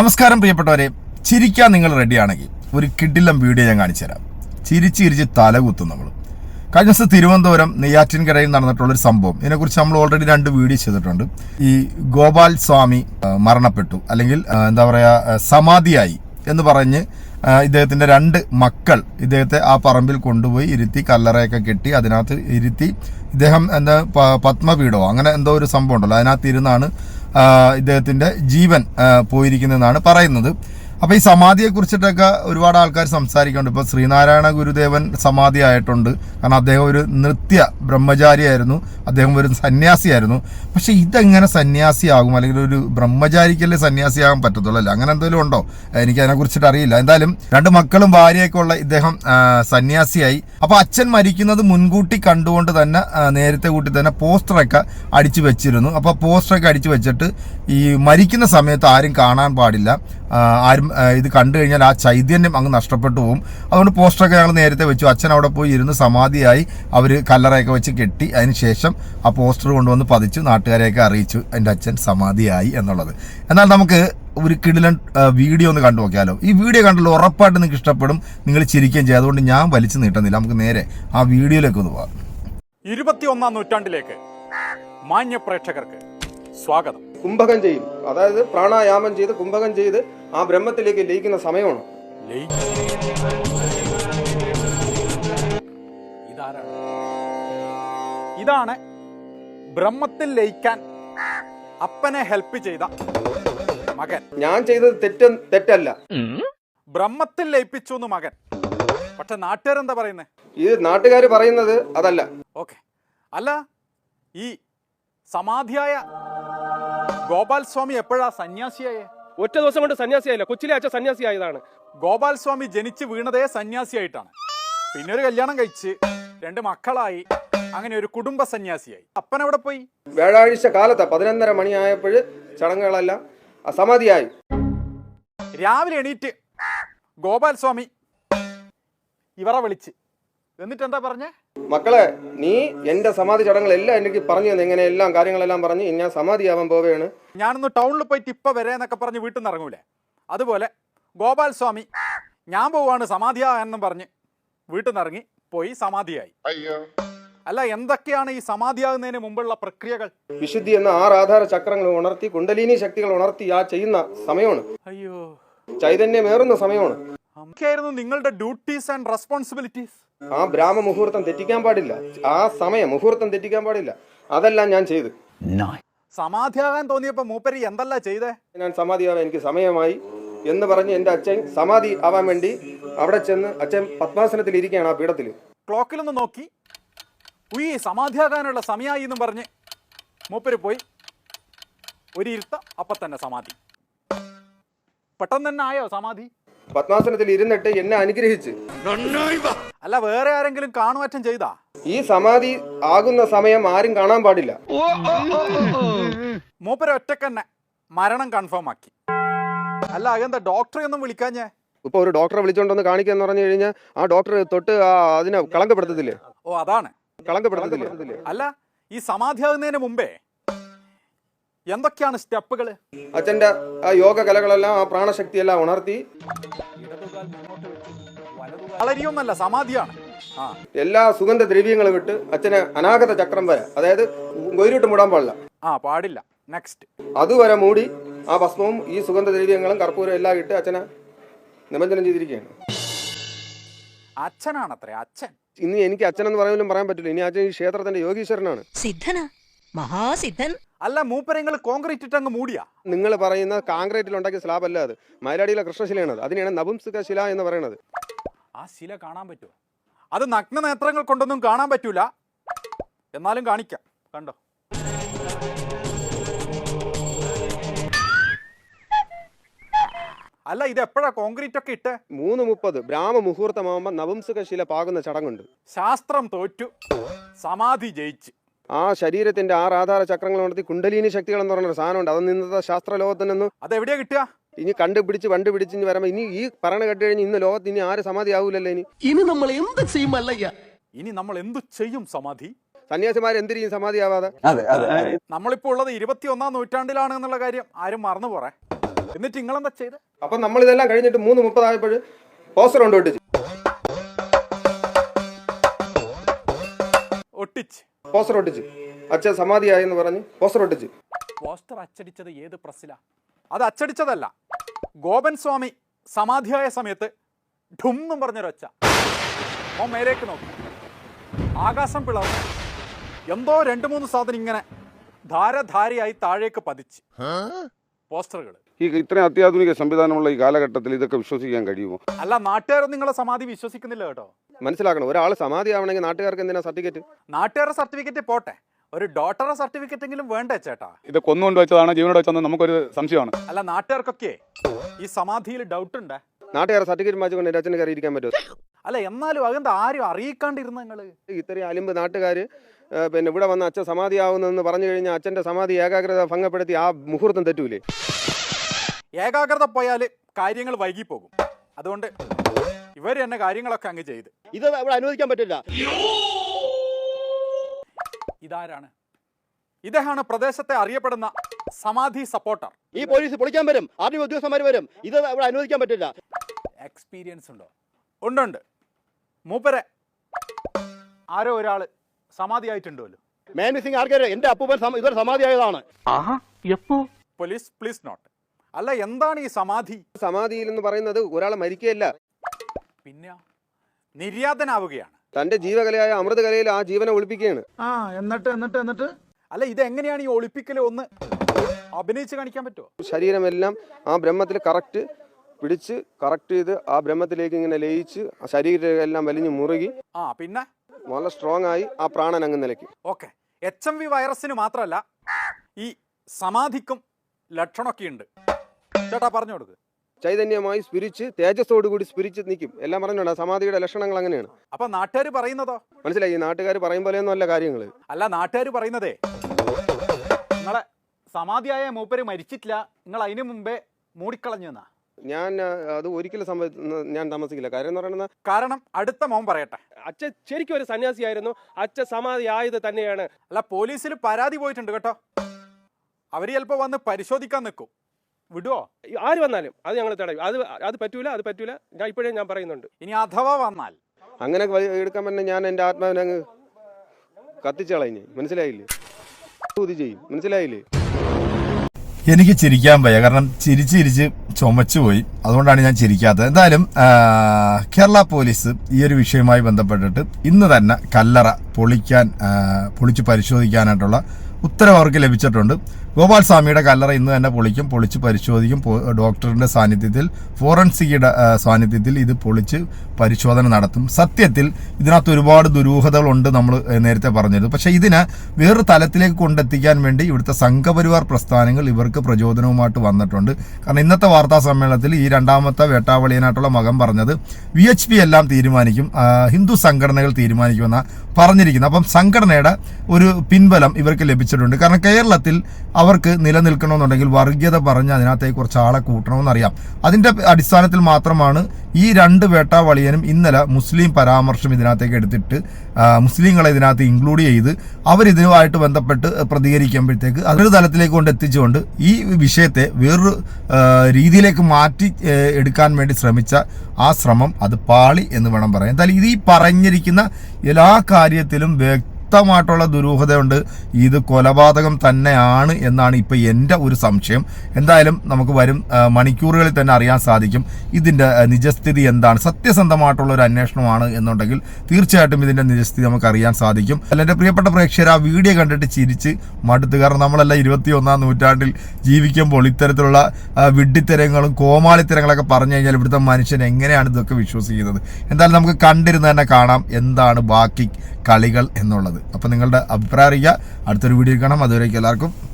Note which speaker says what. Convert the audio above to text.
Speaker 1: നമസ്കാരം പ്രിയപ്പെട്ടവരെ, ചിരിക്കാൻ നിങ്ങൾ റെഡിയാണെങ്കിൽ ഒരു കിടിലം വീഡിയോ ഞാൻ കാണിച്ചു തരാം. ചിരിച്ച് തലകുത്തും നമ്മൾ. കഴിഞ്ഞ ദിവസം തിരുവനന്തപുരം നെയ്യാറ്റിൻകരയിൽ നടന്നിട്ടുള്ളൊരു സംഭവം, ഇതിനെക്കുറിച്ച് നമ്മൾ ഓൾറെഡി 2 വീഡിയോ ചെയ്തിട്ടുണ്ട്. ഈ ഗോപാൽ സ്വാമി മരണപ്പെട്ടു, അല്ലെങ്കിൽ എന്താ പറയുക, സമാധിയായി എന്ന് പറഞ്ഞ് ഇദ്ദേഹത്തിൻ്റെ 2 മക്കൾ ഇദ്ദേഹത്തെ ആ പറമ്പിൽ കൊണ്ടുപോയി ഇരുത്തി കല്ലറയൊക്കെ കെട്ടി അതിനകത്ത് ഇരുത്തി ഇദ്ദേഹം എന്താ പത്മപീഠമോ അങ്ങനെ എന്തോ ഒരു സംഭവം ഉണ്ടല്ലോ, അതിനകത്ത് ഇരുന്നാണ് ഇദ്ദേഹത്തിൻ്റെ ജീവൻ പോയിരിക്കുന്നതെന്നാണ് പറയുന്നത്. അപ്പോൾ ഈ സമാധിയെ കുറിച്ചിട്ടൊക്കെ ഒരുപാട് ആൾക്കാർ സംസാരിക്കുന്നുണ്ട്. ഇപ്പോൾ ശ്രീനാരായണ ഗുരുദേവൻ സമാധി ആയിട്ടുണ്ട്. കാരണം അദ്ദേഹം ഒരു നൃത്യ ബ്രഹ്മചാരിയായിരുന്നു, അദ്ദേഹം ഒരു സന്യാസിയായിരുന്നു. പക്ഷേ ഇതെങ്ങനെ സന്യാസിയാകും, അല്ലെങ്കിൽ ഒരു ബ്രഹ്മചാരിക്കല്ലേ സന്യാസിയാകാൻ പറ്റത്തുള്ളൂ അല്ലേ? അങ്ങനെ എന്തെങ്കിലും ഉണ്ടോ? എനിക്ക് അതിനെക്കുറിച്ചിട്ട് അറിയില്ല. എന്തായാലും 2 മക്കളും ഭാര്യയൊക്കെ ഉള്ള ഇദ്ദേഹം സന്യാസിയായി. അപ്പോൾ അച്ഛൻ മരിക്കുന്നത് മുൻകൂട്ടി കണ്ടുകൊണ്ട് തന്നെ നേരത്തെ കൂട്ടി തന്നെ പോസ്റ്ററൊക്കെ അടിച്ചു വെച്ചിരുന്നു. അപ്പോൾ പോസ്റ്ററൊക്കെ അടിച്ചു വെച്ചിട്ട് ഈ മരിക്കുന്ന സമയത്ത് ആരും കാണാൻ പാടില്ല, ആരും ഇത് കണ്ടു കഴിഞ്ഞാൽ ആ ചൈതന്യം അങ്ങ് നഷ്ടപ്പെട്ടു പോകും. അതുകൊണ്ട് പോസ്റ്ററൊക്കെ ഞങ്ങൾ നേരത്തെ വെച്ചു. അച്ഛൻ അവിടെ പോയി ഇരുന്ന് സമാധിയായി, അവർ കല്ലറയൊക്കെ വെച്ച് കെട്ടി. അതിന് ശേഷം ആ പോസ്റ്റർ കൊണ്ടുവന്ന് പതിച്ചു, നാട്ടുകാരെയൊക്കെ അറിയിച്ചു എൻ്റെ അച്ഛൻ സമാധിയായി എന്നുള്ളത്. എന്നാൽ നമുക്ക് ഒരു കിടിലൻ വീഡിയോ ഒന്ന് കണ്ടു നോക്കിയാലോ. ഈ വീഡിയോ കണ്ടല്ലോ, ഉറപ്പായിട്ട് നിങ്ങൾക്ക് ഇഷ്ടപ്പെടും, നിങ്ങൾ ചിരിക്കുകയും ചെയ്യും. അതുകൊണ്ട് ഞാൻ വലിച്ചു നീട്ടുന്നില്ല, നമുക്ക് നേരെ ആ വീഡിയോയിലേക്ക് ഒന്ന് പോകാം.
Speaker 2: 21-ാം നൂറ്റാണ്ടിലേക്ക് മാന്യ പ്രേക്ഷകർക്ക് സ്വാഗതം.
Speaker 3: കുംഭകം ചെയ്യും, അതായത് പ്രാണായാമം ചെയ്ത് കുംഭകം ചെയ്ത് ആ ബ്രഹ്മത്തിലേക്ക് ലയിക്കുന്ന സമയമാണ്.
Speaker 2: ഇതാണ് ബ്രഹ്മത്തിൽ ലയിക്കാൻ അപ്പനെ ഹെൽപ്പ് ചെയ്ത മകൻ.
Speaker 3: ഞാൻ ചെയ്തത് തെറ്റല്ല,
Speaker 2: ബ്രഹ്മത്തിൽ ലയിപ്പിച്ചു എന്ന് മകൻ. പക്ഷെ നാട്ടുകാരെന്താ പറയുന്നത്?
Speaker 3: ഇത് നാട്ടുകാർ പറയുന്നത് അതല്ല.
Speaker 2: ഓക്കെ, അല്ല, ഈ സമാധിയായ ഗോപാൽ സ്വാമി എപ്പോഴാ സന്യാസിയായേ?
Speaker 4: ഒറ്റ ദിവസം കൊണ്ട് സന്യാസിയായില്ല, കൊച്ചിലെ അച്ഛൻ സന്യാസിയായതാണ്.
Speaker 2: ഗോപാൽ സ്വാമി ജനിച്ച് വീണതേ സന്യാസിയായിട്ടാണ്. പിന്നെ ഒരു കല്യാണം കഴിച്ച് 2 മക്കളായി, അങ്ങനെ ഒരു കുടുംബ സന്യാസിയായി. അപ്പൻ എവിടെ പോയി?
Speaker 3: വ്യാഴാഴ്ച കാലത്ത് 11:30 മണിയായപ്പോൾ ചടങ്ങുകളെല്ലാം സമാധിയായി.
Speaker 2: രാവിലെ എണീറ്റ് ഗോപാൽ സ്വാമി ഇവരെ വിളിച്ച് എന്നിട്ട് എന്താ പറഞ്ഞേ?
Speaker 3: മക്കളെ, നീ എന്റെ സമാധി ചടങ്ങുകളെല്ലാം എനിക്ക് പറഞ്ഞു തന്നെ, ഇങ്ങനെ എല്ലാം കാര്യങ്ങളെല്ലാം പറഞ്ഞ് ഞാൻ സമാധിയാവാൻ പോവുകയാണ്.
Speaker 2: ഞാനൊന്ന് ടൗണിൽ പോയിട്ട് ഇപ്പം വരെ എന്നൊക്കെ പറഞ്ഞ് വീട്ടിൽ നിന്ന് ഇറങ്ങൂലേ, അതുപോലെ ഗോപാൽ സ്വാമി ഞാൻ പോവാണ് സമാധിയായെന്നും പറഞ്ഞ് വീട്ടിൽ നിന്ന് ഇറങ്ങി പോയി സമാധിയായി. അല്ല, എന്തൊക്കെയാണ് ഈ സമാധിയാകുന്നതിന് മുമ്പുള്ള പ്രക്രിയകൾ?
Speaker 3: വിശുദ്ധി എന്ന 6 ആധാര ചക്രങ്ങൾ ഉണർത്തി കുണ്ടലിനി ശക്തികൾ ഉണർത്തി ആ ചെയ്യുന്ന സമയമാണ്.
Speaker 2: അയ്യോ,
Speaker 3: ചൈതന്യമേറുന്ന സമയമാണ്.
Speaker 2: അതൊക്കെയായിരുന്നു നിങ്ങളുടെ ഡ്യൂട്ടീസ് ആൻഡ് റെസ്പോൺസിബിലിറ്റീസ്.
Speaker 3: ആ ബ്രാഹ്മ മുഹൂർത്തം തെറ്റിക്കാൻ പാടില്ല, ആ സമയം മുഹൂർത്തം തെറ്റിക്കാൻ പാടില്ല. അതെല്ലാം ഞാൻ ചെയ്തു.
Speaker 2: സമാധിയാകാൻ തോന്നിയപ്പോ മൂപ്പരി എന്തല്ല ചെയ്തേ?
Speaker 3: ഞാൻ സമാധിയാവാൻ എനിക്ക് സമയമായി എന്ന് പറഞ്ഞ് എൻ്റെ അച്ഛൻ സമാധി ആവാൻ വേണ്ടി അവിടെ ചെന്ന് അച്ഛൻ പത്മാസനത്തിൽ ഇരിക്കുകയാണ് ആ പീഠത്തിൽ.
Speaker 2: ക്ലോക്കിലൊന്ന് നോക്കി, ഉയ്യ് സമാധിയാകാനുള്ള സമയമായി എന്നും പറഞ്ഞ് മൂപ്പര് പോയി ഒരു ഇരുത്ത, അപ്പൊ തന്നെ സമാധി. പെട്ടെന്ന് തന്നെ ആയോ സമാധി?
Speaker 3: പത്മാസനത്തിൽ ഇരുന്നിട്ട് എന്നെ അനുഗ്രഹിച്ച്.
Speaker 2: അല്ല, വേറെ ആരെങ്കിലും കാണുമാറ്റം ചെയ്താ?
Speaker 3: ഈ സമാധി ആകുന്ന സമയം ആരും കാണാൻ പാടില്ല.
Speaker 2: മൂപ്പര് ഒറ്റക്കന്നെ മരണം കൺഫേം ആക്കി. അല്ല, അതെന്താ ഡോക്ടറെ ഒന്നും വിളിക്കാഞ്ഞേ?
Speaker 3: ഇപ്പൊ ഒരു ഡോക്ടറെ വിളിച്ചോണ്ടൊന്ന് കാണിക്കാന്ന് പറഞ്ഞു കഴിഞ്ഞാൽ ആ ഡോക്ടർ തൊട്ട് അതിനെ കളങ്കപ്പെടുത്തത്തില്ലേ?
Speaker 2: ഓ, അതാണ്
Speaker 3: കളങ്കപ്പെടുത്തത്തില്ലേ?
Speaker 2: അല്ല, ഈ സമാധിയാകുന്നതിന് മുമ്പേ എന്തൊക്കെയാണ് സ്റ്റെപ്പുകൾ?
Speaker 3: അച്ഛന്റെ ആ യോഗ കലകളെല്ലാം ആ പ്രാണശക്തിയെല്ലാം ഉണർത്തി.
Speaker 2: വളരെയൊന്നല്ല, സമാധിയാണ്.
Speaker 3: എല്ലാ സുഗന്ധ ദ്രവ്യങ്ങളും വിട്ട് അച്ഛനെ അനാഗത ചക്രം വരെ, അതായത് ഗൊയിലിട്ട് മൂടാൻ പാടില്ല.
Speaker 2: പാടില്ല. നെക്സ്റ്റ്
Speaker 3: അതുവരെ മൂടി ആ ഭസ്മവും ഈ സുഗന്ധ ദ്രവ്യങ്ങളും കർപ്പൂരം എല്ലാം ഇട്ട് അച്ഛനെ നിമഞ്ജനം ചെയ്തിരിക്കുകയാണ്.
Speaker 2: അച്ഛനാണത്രേ, അച്ഛൻ.
Speaker 3: ഇനി എനിക്ക് അച്ഛനെന്ന് പറയാനും പറയാൻ പറ്റില്ല. ഇനി അച്ഛൻ ഈ ക്ഷേത്രത്തിന്റെ യോഗീശ്വരനാണ്,
Speaker 5: സിദ്ധനാ, മഹാസിദ്ധൻ.
Speaker 2: അല്ല, മൂപ്പരങ്ങൾ കോൺക്രീറ്റ് ഇട്ട് അങ്ങ് മൂടിയാ?
Speaker 3: നിങ്ങൾ പറയുന്ന കാൺക്രീറ്റിൽ ഉണ്ടാക്കിയ സ്ലാബ് അല്ല, അത് മയിലാടിയിലെ കൃഷ്ണശിലയാണ്. അതിനെയാണ് നപുംസക ശില എന്ന് പറയുന്നത്.
Speaker 2: ആ ശില കാണാൻ പറ്റുമോ? അത് നഗ്ന നേത്രങ്ങൾ കൊണ്ടൊന്നും കാണാൻ പറ്റൂല, എന്നാലും കാണിക്കാം. കണ്ടോ? അല്ല, ഇത് എപ്പോഴാ കോൺക്രീറ്റ് ഒക്കെ ഇട്ട്?
Speaker 3: 3:30 ബ്രാഹ്മ മുഹൂർത്തമാകുമ്പോൾ നപുംസക ശില പാകുന്ന ചടങ്ങുണ്ട്.
Speaker 2: ശാസ്ത്രം തോറ്റു, സമാധി ജയിച്ച്.
Speaker 3: ആ ശരീരത്തിന്റെ 6 ആധാര ചക്രങ്ങൾ ഉണർത്തി കുണ്ടലിനി ശക്തികൾ എന്ന് പറയുന്ന സാധനമുണ്ട്. അത് ഇന്നത്തെ ശാസ്ത്ര ലോകത്തിൽ നിന്ന്
Speaker 2: അതെവിടെയാ കിട്ടുക?
Speaker 3: ഇനി കണ്ടുപിടിച്ച് ഇനി വരുമ്പോ ഇനി ഈ പറയണ കേട്ട് കഴിഞ്ഞ് ഇന്ന് ലോകത്ത് ഇനി ആര് സമാധി ആവൂലല്ലോ.
Speaker 4: ഇനി നമ്മൾ എന്ത് ചെയ്യും അല്ലയ്യ?
Speaker 2: ഇനി നമ്മൾ എന്തു ചെയ്യും സമാധി?
Speaker 3: സന്യാസിമാർ എന്തിനും സമാധിയാവാതെ.
Speaker 2: നമ്മളിപ്പോ ഉള്ളത് 21-ാം നൂറ്റാണ്ടിലാണ് എന്നുള്ള കാര്യം ആരും മറന്നു പോറേ. എന്നിട്ട് നിങ്ങളെന്താ ചെയ്ത്?
Speaker 3: അപ്പം നമ്മൾ ഇതെല്ലാം കഴിഞ്ഞിട്ട് 3:30 ആയപ്പോൾ പോസ്റ്റർ കൊണ്ട്
Speaker 2: ഒട്ടിച്ച്
Speaker 3: പോസ്റ്റർ ഒട്ടിച്ച് അച്ഛൻ സമാധിയായി എന്ന് പറഞ്ഞ് പോസ്റ്റർ ഒട്ടിച്ച്.
Speaker 2: പോസ്റ്റർ അച്ചടിച്ചത് ഏത് പ്രസ്സിലാ? അത് അച്ചടിച്ചതല്ല, ഗോപൻ സ്വാമി സമാധിയായ സമയത്ത് ഠും പറഞ്ഞൊരൊച്ച. ഓ മേലേക്ക് നോക്കി, ആകാശം പിളർന്നു, എന്തോ 2-3 സാധനം ഇങ്ങനെ ധാരധാരയായി താഴേക്ക് പതിച്ച്. പോസ്റ്ററുകൾ.
Speaker 6: ഈ ഇത്രയും അത്യാധുനിക സംവിധാനമുള്ള ഈ കാലഘട്ടത്തിൽ ഇതൊക്കെ വിശ്വസിക്കാൻ കഴിയുമോ?
Speaker 2: അല്ല, നാട്ടുകാരൊന്നും നിങ്ങളെ സമാധി വിശ്വസിക്കുന്നില്ല കേട്ടോ.
Speaker 3: മനസ്സിലാക്കണം, ഒരാൾ സമാധി ആവണമെങ്കിൽ നാട്ടുകാർക്ക് എന്തിനാ സർട്ടിഫിക്കറ്റ്?
Speaker 2: നാട്ടുകാരുടെ സർട്ടിഫിക്കറ്റ് പോട്ടെ, ഒരു ഡോക്ടറുടെ സർട്ടിഫിക്കറ്റ് എങ്കിലും വേണ്ടേ ചേട്ടാ?
Speaker 7: ഇത് കൊന്നുകൊണ്ട് വെച്ചതാണ് ജീവനോട് വെച്ചതെന്ന് നമുക്കൊരു സംശയമാണ്.
Speaker 2: അല്ല, നാട്ടുകാർക്കൊക്കെ ഈ സമാധിയിൽ ഡൗട്ട് ഉണ്ട്.
Speaker 3: നാട്ടുകാരെ സർട്ടിഫിക്കറ്റ് വാങ്ങിച്ചുകൊണ്ട് എൻ്റെ അച്ഛന് കയറി ഇരിക്കാൻ പറ്റുമോ?
Speaker 2: അല്ല, എന്നാലും അതെന്താ ആരും അറിയിക്കാണ്ടിരുന്ന നിങ്ങള്?
Speaker 3: ഇത്രയും അലിമ്പ് നാട്ടുകാർ പിന്നെ ഇവിടെ വന്ന് അച്ഛൻ സമാധിയാവുന്നെന്ന് പറഞ്ഞു കഴിഞ്ഞാൽ അച്ഛൻ്റെ സമാധി ഏകാഗ്രത ഭംഗപ്പെടുത്തി ആ മുഹൂർത്തം തെറ്റൂലേ?
Speaker 2: ഏകാഗ്രത പോയാൽ കാര്യങ്ങൾ വൈകിപ്പോകും. അതുകൊണ്ട് ഇവർ തന്നെ കാര്യങ്ങളൊക്കെ അങ്ങ് ചെയ്ത്.
Speaker 8: ഇത് ഇവിടെ അനുവദിക്കാൻ പറ്റില്ല.
Speaker 2: ഇതാരാണ്? ഇദ്ദേഹമാണ് പ്രദേശത്തെ അറിയപ്പെടുന്ന സമാധി സപ്പോർട്ടർ.
Speaker 8: ഈ പോലീസ് പൊളിക്കാൻ വരും, ആർമി ഉദ്യോഗസ്ഥന്മാർ വരും. ഇത് ഇവിടെ അനുവദിക്കാൻ പറ്റില്ല.
Speaker 2: എക്സ്പീരിയൻസ് ഉണ്ടോ? ഉണ്ട്. മൂപ്പരെ ആരോ ഒരാൾ സമാധിയായിട്ടുണ്ടല്ലോ.
Speaker 8: മാൻ മിസ്സിംഗ് ആർക്കാരും എന്റെ അപ്പൂപ്പൻ ഇതൊരു സമാധിയായതാണ്.
Speaker 2: Police please note. അല്ല, എന്താണ് ഈ സമാധി?
Speaker 3: സമാധിയിൽ എന്ന് പറയുന്നത് ഒരാൾ മരിക്കുകയല്ല,
Speaker 2: പിന്നെ നിര്യാതനാവുകയാണ്.
Speaker 3: തന്റെ ജീവകലയായ അമൃതകലയിൽ ആ ജീവനെ ഒളിപ്പിക്കുകയാണ്.
Speaker 2: എന്നിട്ട് അല്ല, ഇതെങ്ങനെയാണ് ഈ ഒളിപ്പിക്കൽ? ഒന്ന് അഭിനയിച്ച് കാണിക്കാൻ പറ്റുമോ?
Speaker 3: ശരീരമെല്ലാം ആ ബ്രഹ്മത്തിൽ കറക്റ്റ് പിടിച്ച് കറക്റ്റ് ചെയ്ത് ആ ബ്രഹ്മത്തിലേക്ക് ഇങ്ങനെ ലയിച്ച് ശരീരം എല്ലാം വലിഞ്ഞു മുറുകി
Speaker 2: പിന്നെ
Speaker 3: വളരെ സ്ട്രോങ് ആയി ആ പ്രാണൻ അങ്ങ് നിലയ്ക്ക്.
Speaker 2: ഓക്കെ, HMV വൈറസിന് മാത്രമല്ല ഈ സമാധിക്കും ലക്ഷണമൊക്കെ ഉണ്ട്. ചേട്ടാ പറഞ്ഞു കൊടുക്ക്.
Speaker 3: ചൈതന്യമായി സ്പിരിച്ച് തേജസ്സോടുകൂടി സ്പിരിച്ച് നിൽക്കും. എല്ലാം പറഞ്ഞോണ്ട് സമാധിയുടെ ലക്ഷണങ്ങൾ അങ്ങനെയാണ്.
Speaker 2: അപ്പൊ നാട്ടുകാർ പറയുന്നതോ?
Speaker 3: മനസ്സിലായി, ഈ നാട്ടുകാർ പറയും പോലെയൊന്നും അല്ല കാര്യങ്ങൾ.
Speaker 2: അല്ല, നാട്ടുകാർ പറയുന്നതേ നിങ്ങളെ സമാധിയായ മൂപ്പര് മരിച്ചിട്ടില്ല, നിങ്ങൾ അതിനു മുമ്പേ മൂടിക്കളഞ്ഞു എന്നാ.
Speaker 3: ഞാൻ അത് ഒരിക്കലും ഞാൻ താമസിക്കില്ല. കാര്യം എന്ന് പറയുന്നത്,
Speaker 2: കാരണം അടുത്ത മോൻ പറയട്ടെ.
Speaker 4: അച്ഛൻ ശരിക്കും ഒരു സന്യാസിയായിരുന്നു. അച്ഛൻ സമാധി ആയത് തന്നെയാണ്.
Speaker 2: അല്ല, പോലീസിൽ പരാതി പോയിട്ടുണ്ട് കേട്ടോ. അവര് ചിലപ്പോ വന്ന് പരിശോധിക്കാൻ നിൽക്കും. വിടുവോ?
Speaker 4: ആര് വന്നാലും അത് ഞങ്ങൾ തടയും. അത് പറ്റൂല. ഞാൻ ഇപ്പോഴേ ഞാൻ പറയുന്നുണ്ട്.
Speaker 2: ഇനി അഥവാ വന്നാൽ
Speaker 3: അങ്ങനെ എടുക്കാൻ പറ്റുന്ന ഞാൻ എൻ്റെ ആത്മാവിനെ അങ്ങ് കത്തിച്ചളഞ്ഞ്. മനസ്സിലായില്ലേ? ഇത് ചെയ്യും. മനസ്സിലായില്ലേ?
Speaker 1: എനിക്ക് ചിരിക്കാൻ വയ്യ, കാരണം ചിരിച്ച് ചുമച്ചു പോയി. അതുകൊണ്ടാണ് ഞാൻ ചിരിക്കാത്തത്. എന്തായാലും കേരള പോലീസ് ഈ ഒരു വിഷയവുമായി ബന്ധപ്പെട്ടിട്ട് ഇന്ന് തന്നെ കല്ലറ പൊളിച്ച് പരിശോധിക്കാനായിട്ടുള്ള ഉത്തരവ് അവർക്ക് ലഭിച്ചിട്ടുണ്ട്. ഗോപാൽ സ്വാമിയുടെ കല്ലറ ഇന്ന് തന്നെ പൊളിച്ച് പരിശോധിക്കും. ഡോക്ടറിന്റെ സാന്നിധ്യത്തിൽ, ഫോറൻസിക്കിയുടെ സാന്നിധ്യത്തിൽ ഇത് പൊളിച്ച് പരിശോധന നടത്തും. സത്യത്തിൽ ഇതിനകത്ത് ഒരുപാട് ദുരൂഹതകളുണ്ട്, നമ്മൾ നേരത്തെ പറഞ്ഞത്. പക്ഷേ ഇതിനെ വേറൊരു തലത്തിലേക്ക് കൊണ്ടെത്തിക്കാൻ വേണ്ടി ഇവിടുത്തെ സംഘപരിവാർ പ്രസ്ഥാനങ്ങൾ ഇവർക്ക് പ്രചോദനവുമായിട്ട് വന്നിട്ടുണ്ട്. കാരണം ഇന്നത്തെ വാർത്താ സമ്മേളനത്തിൽ ഈ രണ്ടാമത്തെ വേട്ടാവളിയനായിട്ടുള്ള മകൻ പറഞ്ഞത് VHP എല്ലാം തീരുമാനിക്കും, ഹിന്ദു സംഘടനകൾ തീരുമാനിക്കുമെന്നാണ് പറഞ്ഞിരിക്കുന്നത്. അപ്പം സംഘടനയുടെ ഒരു പിൻബലം ഇവർക്ക് ലഭിച്ചിട്ടുണ്ട്. കാരണം കേരളത്തിൽ അവർക്ക് നിലനിൽക്കണമെന്നുണ്ടെങ്കിൽ വർഗീയത പറഞ്ഞ് അതിനകത്തേക്ക് കുറച്ച് ആളെ കൂട്ടണമെന്നറിയാം. അതിൻ്റെ അടിസ്ഥാനത്തിൽ മാത്രമാണ് ഈ രണ്ട് വേട്ടാവളിയനും ഇന്നലെ മുസ്ലിം പരാമർശം ഇതിനകത്തേക്ക് എടുത്തിട്ട് മുസ്ലിങ്ങളെ ഇതിനകത്ത് ഇൻക്ലൂഡ് ചെയ്ത് അവരിതുമായിട്ട് ബന്ധപ്പെട്ട് പ്രതികരിക്കുമ്പോഴത്തേക്ക് അതൊരു തലത്തിലേക്ക് കൊണ്ട് എത്തിച്ചുകൊണ്ട് ഈ വിഷയത്തെ വേറൊരു രീതിയിലേക്ക് മാറ്റി എടുക്കാൻ വേണ്ടി ശ്രമിച്ച ആ ശ്രമം അത് പാളി എന്ന് വേണം പറയാൻ. എന്തായാലും ഇത് ഈ പറഞ്ഞിരിക്കുന്ന എല്ലാ കാര്യത്തിലും വ്യക്തമായിട്ടുള്ള ദുരൂഹതയുണ്ട്. ഇത് കൊലപാതകം തന്നെയാണ് എന്നാണ് ഇപ്പോൾ എൻ്റെ ഒരു സംശയം. എന്തായാലും നമുക്ക് വരും മണിക്കൂറുകളിൽ തന്നെ അറിയാൻ സാധിക്കും ഇതിൻ്റെ നിജസ്ഥിതി എന്താണ്. സത്യസന്ധമായിട്ടുള്ള ഒരു അന്വേഷണമാണ് എന്നുണ്ടെങ്കിൽ തീർച്ചയായിട്ടും ഇതിൻ്റെ നിജസ്ഥിതി നമുക്ക് അറിയാൻ സാധിക്കും. അല്ല, എൻ്റെ പ്രിയപ്പെട്ട പ്രേക്ഷകർ, ആ വീഡിയോ കണ്ടിട്ട് ചിരിച്ച് മടുത്ത്. കാരണം നമ്മളെല്ലാം 21-ാം നൂറ്റാണ്ടിൽ ജീവിക്കുമ്പോൾ ഇത്തരത്തിലുള്ള വിഡ്ഢിത്തരങ്ങളും കോമാളിത്തരങ്ങളൊക്കെ പറഞ്ഞു കഴിഞ്ഞാൽ ഇവിടുത്തെ മനുഷ്യൻ എങ്ങനെയാണ് ഇതൊക്കെ വിശ്വസിക്കുന്നത്. എന്തായാലും നമുക്ക് കണ്ടിരുന്ന് തന്നെ കാണാം എന്താണ് ബാക്കി കളികൾ എന്നുള്ളത്. അപ്പം നിങ്ങളുടെ അഭിപ്രായം അറിയിക്കുക. അടുത്തൊരു വീഡിയോ കാണാം. അതുവരേക്കും എല്ലാവർക്കും